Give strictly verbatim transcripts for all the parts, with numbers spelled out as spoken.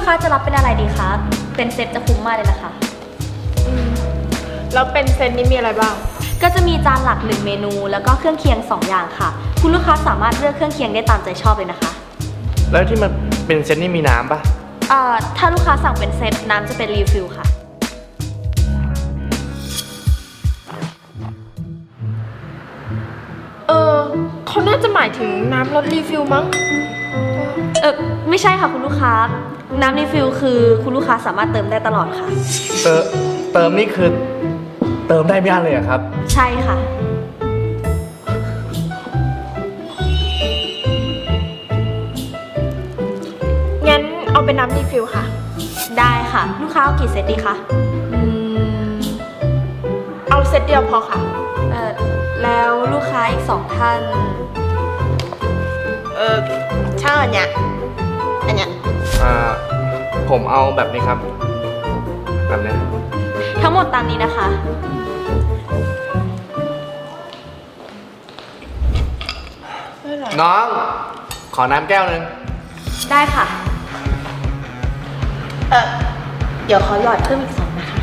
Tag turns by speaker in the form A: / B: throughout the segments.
A: ค้าจะรับเป็นอะไรดีคะเป็นเซตจะคุ้มมากเลยนะคะ
B: อืมแล้วเป็นเซตนี้มีอะไรบ้าง
A: ก็จะมีจานหลักหนึ่งเมนูแล้วก็เครื่องเคียงสองอย่างค่ะคุณลูกค้าสามารถเลือกเครื่องเคียงได้ตามใจชอบเลยนะคะ
C: แล้วที่มันเป็นเซตนี่มีน้ำปะ
A: เอ่อถ้าลูกค้าสั่งเป็นเซตน้ำจะเป็นรีฟิลค่ะ
B: เออเขาน่าจะหมายถึงน้ำรสรีฟิลมั้ง
A: เออไม่ใช่ค่ะคุณลูกค้าน้ำรีฟิลคือคุณลูกค้าสามารถเติมได้ตลอดค่ะ
C: เติมเติมนี่คือเติมได้ไม่อั้นเลยเหรอครับ
A: ใช่ค่ะ
B: งั้นเอาเป็นน้ำรีฟิลค่ะ
A: ได้ค่ะลูกค้าเอากี่เซตดีคะ
B: อืมเอาเซตเดียวพอค่ะ
A: เออแล้วลูกค้าอีกสองท่าน
B: เออช่างอันเนี้ยอันเนี้ย
C: อ่าผมเอาแบบนี้ครับแบบนี้
A: ทั้งหมดตามนี้นะคะ
C: น้องขอน้ำแก้วนึง
A: ได้ค่ะเออเดี๋ยวขอหยอดเพิ่มอีกสองนะคะ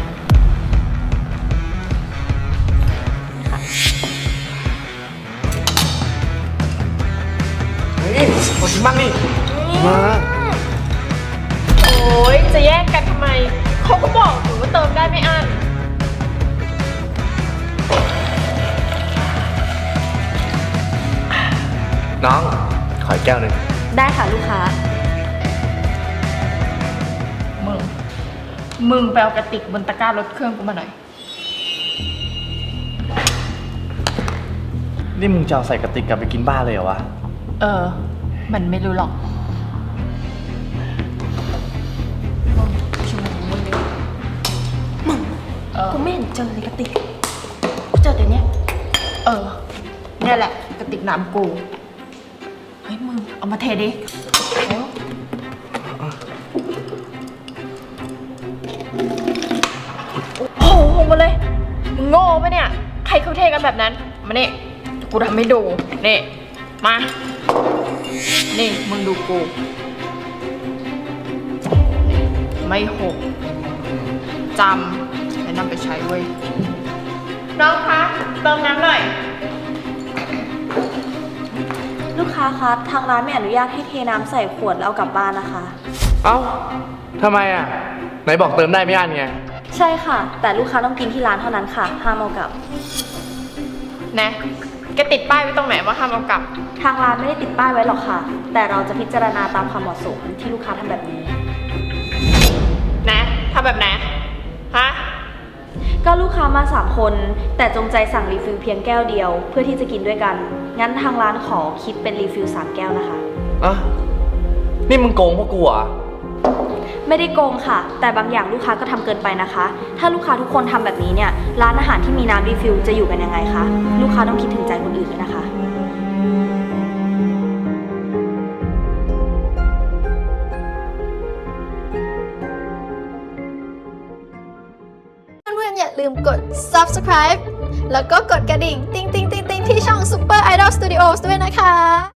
C: เฮ้ยขอชิมบ้างดิมา
B: โอ้ยจะแย่งกันทำไมเขาก็บอกอยู่ว่าเติมได้ไม่อั้น
C: น้องขอแก้วหนึ่ง
A: ได้ค่ะลูกค้า
B: มึงมึงไปเอากระติกบนตะกร้ารถเครื่องกูมาหน่อย
C: นี่มึงจะเอาใส่กระติกกลับไปกินบ้านเลยเหรอวะ
B: เออมันไม่รู้หรอก
A: มึงกูไม่เห็นเจอเลยกระติกกูเจอแต่เนี้ย
B: เออเนี่ยแหละกระติกน้ำกูเฮ้ยมึงเอามาเทดิโอ้โหหงมาเลยมึงโง่ปะเนี่ยใครเขาเทกันแบบนั้นมาเนี่ยกูทำให้ดูนี่มานี่มึงดูกูไม่หกจำแล้วนำไปใช้เว้ยน้องคะเติมน้ำหน่อย
A: ลูกค้าคะทางร้านไม่อนุญาตให้เทน้ำใส่ขวดแล้วเอากลับบ้านนะคะ
C: เอ้าทำไมอ่ะไหนบอกเติมได้ไม่อั้นไง
A: ใช่ค่ะแต่ลูกค้าต้องกินที่ร้านเท่านั้นค่ะห้ามเอากลับ
B: นะแกติดป้ายไว้ตรงไหนว่าห้ามเอากลับ
A: ทางร้านไม่ได้ติดป้ายไว้หรอกค่ะแต่เราจะพิจารณาตามความเหมาะสมที่ลูกค้าทำแบบนี้
B: นะทำแบบไหนฮะ
A: ก็ลูกค้ามาสามคนแต่จงใจสั่งรีฟิลเพียงแก้วเดียวเพื่อที่จะกินด้วยกันงั้นทางร้านขอคิดเป็นรีฟิลสามแก้วนะคะ
C: อ่ะนี่มึงโกงพวกกูเหรอ
A: ไม่ได้โกงค่ะแต่บางอย่างลูกค้าก็ทำเกินไปนะคะถ้าลูกค้าทุกคนทำแบบนี้เนี่ยร้านอาหารที่มีน้ำรีฟิลจะอยู่กันยังไงคะลูกค้าต้องคิดถึงใจคนอื่นด้วยนะคะ
D: เพื่อนๆอย่าลืมกด ซับสไครบ์ แล้วก็กดกระดิ่งติ๊งติ๊งติ๊งติ๊งที่ช่อง Super Idol Studios ด้วยนะคะ